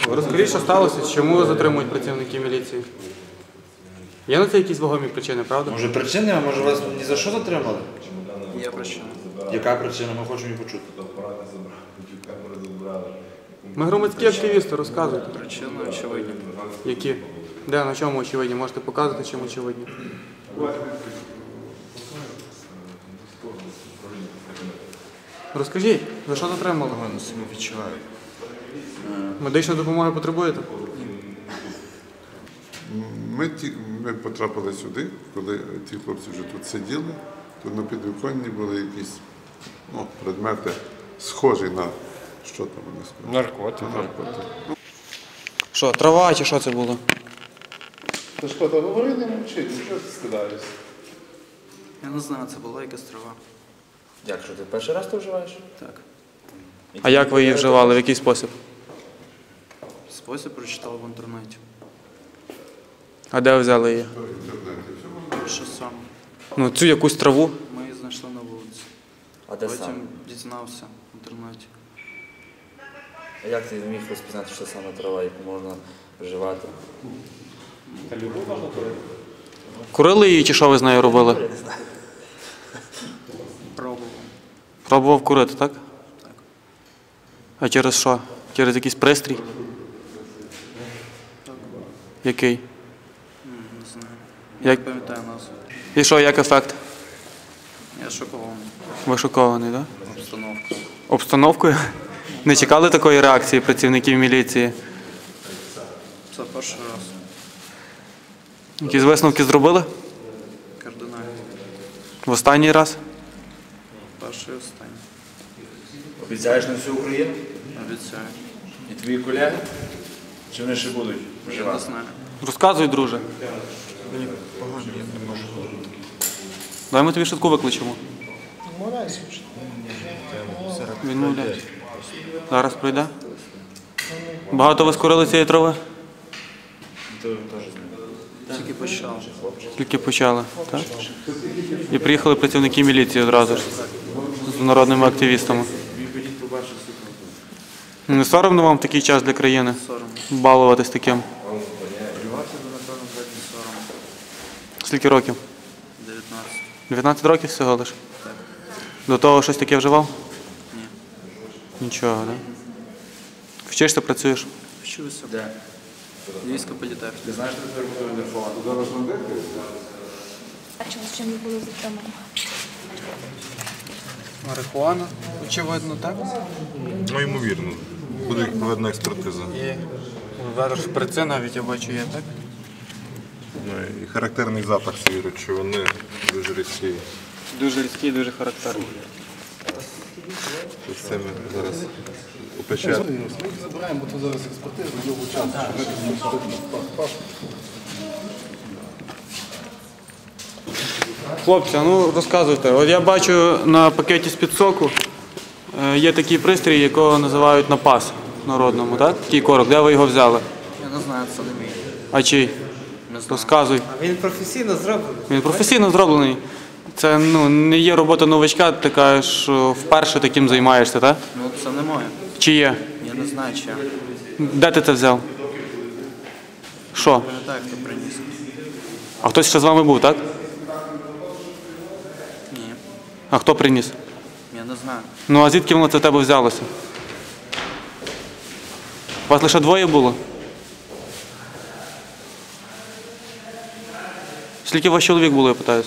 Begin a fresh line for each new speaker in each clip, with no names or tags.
Розкажіть, що сталося, чому затримують працівники міліції? Є на це якісь вагомі причини, правда?
Може причини, а може вас ні за що затримали?
Є причина.
Яка причина? Ми хочемо її почути.
Ми громадські активісти, розказуйте.
Причини очевидні.
Які? Де, на чому очевидні? Можете показати, чим очевидні? Розкажіть, за що затримали?
Погано себе відчуваю.
Медичної допомоги потребуєте?
Ми потрапили сюди, коли ті хлопці вже тут сиділи, то на підвіконні були якісь предмети, схожі на, що там вони сказали? Наркотики.
Що, трава чи що це було?
Та що, та говори, не мовчи, нічого ти скидаєшся.
Я не знаю, це була якась трава.
Як, що ти перший раз то вживаєш?
Так.
А як ви її вживали, в який спосіб?
Спосіб прочитав в інтернеті.
А де ви взяли її?
Що саме?
Ну, цю якусь траву.
Ми її знайшли на вулиці.
А де саме?
Потім дізнався в інтернеті.
А як ти міг розпізнати, що саме трава, яку можна вживати?
Курили її чи що ви з нею робили?
Я не знаю.
Пробував.
Пробував курити, так?
Так.
А через що? Через якийсь пристрій? Який?
Не знаю.
Як?
Не пам'ятаю назву.
І що, як ефект?
Я шокований.
Ви шокований, так?
Обстановкою.
Обстановкою? Не чекали такої реакції працівників міліції?
Це перший раз.
Якісь висновки зробили?
Кардинально.
В останній раз?
Перший і останній.
Обіцяєш на всю Україну?
Обіцяю.
І твої колеги? Чи вони ще будуть
Я не
вживати?
знаю.
Розказуй, друже.
Погано, я не можу.
Давай ми тобі швидку викличемо. Відмовляється. Зараз пройде. Багато ви скурили цієї трави?
Ти теж знаєш.
Тільки почав.
Тільки почали, так? І приїхали працівники міліції одразу ж з народними активістами. Не соромно вам в такий час для країни
Соромно.
балуватись таким?
Соромно.
Скільки років?
19.
19 років всього лиш? До того щось таке вживав?
Ні.
Нічого, так? Вчишся, працюєш?
Вчився.
Де?
Львівська політехніка.
Ти знаєш, що тебе буде телефон?
А через чим ви були затримані?
Марихуана, очевидно, так?
Ну, ймовірно. Буде проведена експертиза.
І зараз шприци навіть, я бачу, є, так?
Ну, і характерний запах цієї речовини дуже різкий.
Дуже різкий, дуже характерний.
Ось це ми зараз опечатаємо.
Забираємо, бо то зараз експертиза, довго часу.
Хлопці, ну розказуйте. От я бачу на пакеті з-під соку є такий пристрій, якого називають напас народному, так? Такий корок. Де ви його взяли?
Я не знаю, це не мій.
А чий?
Не знаю.
Розказуй.
Він професійно зроблений.
Він професійно зроблений. Це не є робота новачка, ти кажеш, що вперше таким займаєшся, так?
Ну, це не моє.
Чи є?
Я не знаю, чи я.
Де ти це взяв? Що?
Пам'ятаю, хто приніс.
А хтось ще з вами був, так?
Ні.
А хто приніс?
Я не знаю.
Ну а звідки воно це в тебе взялося? Вас лише двоє було? Скільки у вас чоловік було, я питаюся?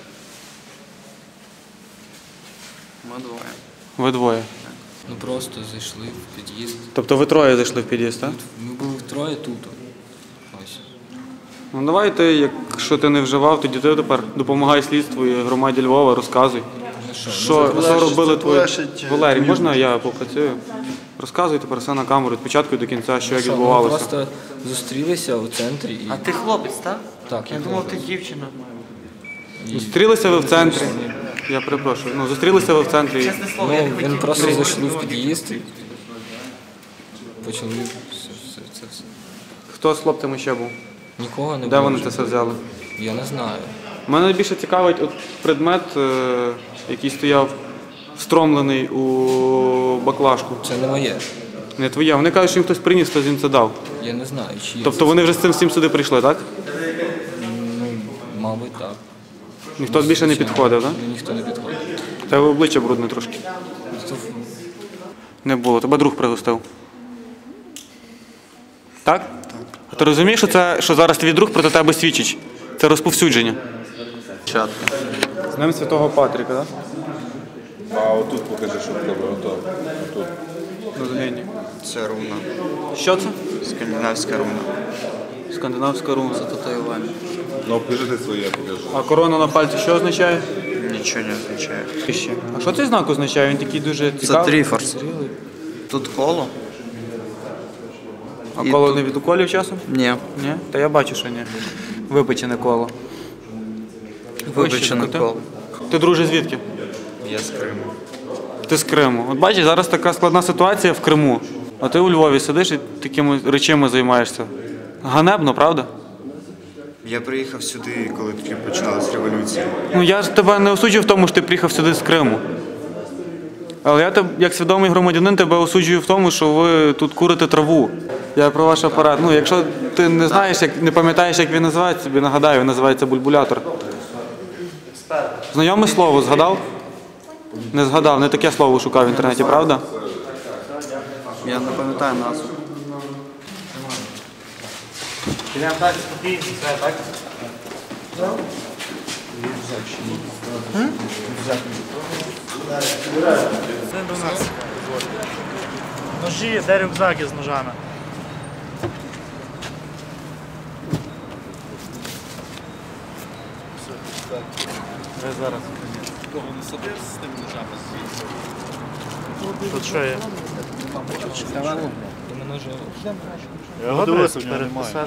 Ми двоє.
Ви двоє.
Ну просто зайшли в під'їзд.
Тобто ви троє зайшли в під'їзд, так?
Ми були втроє тут. Ось.
Ну давайте, якщо ти не вживав, тоді ти тепер допомагай слідству і громаді Львова, розказуй. Що робили твої... Валерій, можна я попрацюю? Розказуй тепер все на камеру, від початку до кінця, що як
Ми
відбувалося.
просто зустрілися у центрі і.
А ти хлопець, так?
Так,
Я думав, ти дівчина.
Зустрілися ви в центрі. Я перепрошую. Ну, зустрілися ви в центрі.
Чесне слово, я не
Він
хотів.
просто зайшли в під'їзд і почали це все.
Хто з хлопцями ще був?
Нікого не
Де
було.
вони це все взяли?
Я не знаю.
Мене найбільше цікавить от предмет, який стояв встромлений у баклажку.
Це не моє.
Не твоя. Вони кажуть, що їм хтось приніс, хтось їм це дав.
Я не знаю, чи є.
Тобто вони вже з цим всім сюди прийшли, так?
Мабуть, так.
Ніхто більше не підходив, так?
Ніхто не підходить.
Тебе обличчя брудне трошки. Не було. Тебе друг пригостив. Так? А ти розумієш, що зараз твій друг проти тебе свідчить? Це розповсюдження.
Чатка.
З ним Святого Патріка, так?
А отут покажи, що в тебе ото. Отут.
Це руна.
Що це?
Скандинавська руна.
Скандинавська руна.
Це татуювання.
Ну, покажи своє, покажи.
А корона на пальці що означає?
Нічого не означає.
А що цей знак означає? Він такий дуже
Це
цікавий.
трифорс. Тут коло.
А
І
коло
тут-
не від уколів часом?
Ні.
Ні? Та я бачу, що ні. Випечене коло.
Вибачене
Ти?
коло.
Ти, друже, звідки?
Я з Криму.
Ти з Криму. От бачиш, зараз така складна ситуація в Криму. А ти у Львові сидиш і такими речами займаєшся. Ганебно, правда?
Я приїхав сюди, коли тільки почалась революція.
Ну я ж тебе не осуджую в тому, що ти приїхав сюди з Криму. Але я як свідомий громадянин тебе осуджую в тому, що ви тут курите траву. Я про ваш апарат. Ну, якщо ти не знаєш, не пам'ятаєш, як він називається, тобі нагадаю, він називається бульбулятор. Знайоме слово згадав? Не згадав, не таке слово шукав в інтернеті, правда?
Я не пам'ятаю назву.
Підемо так, спокійно, все, так?
Ножі, де рюкзаки з ножами. Тут що є? Його дивися, переписати.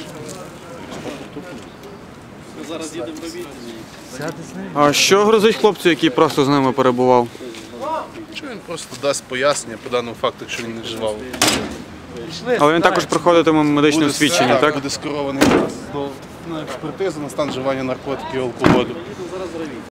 А що грозить хлопцю, який просто з ними перебував?
Що він просто дасть пояснення по даному факту, якщо він не вживав.
Але він також проходитиме медичне освідчення, так?
Буде скерований на експертизу на стан вживання наркотиків і алкоголю.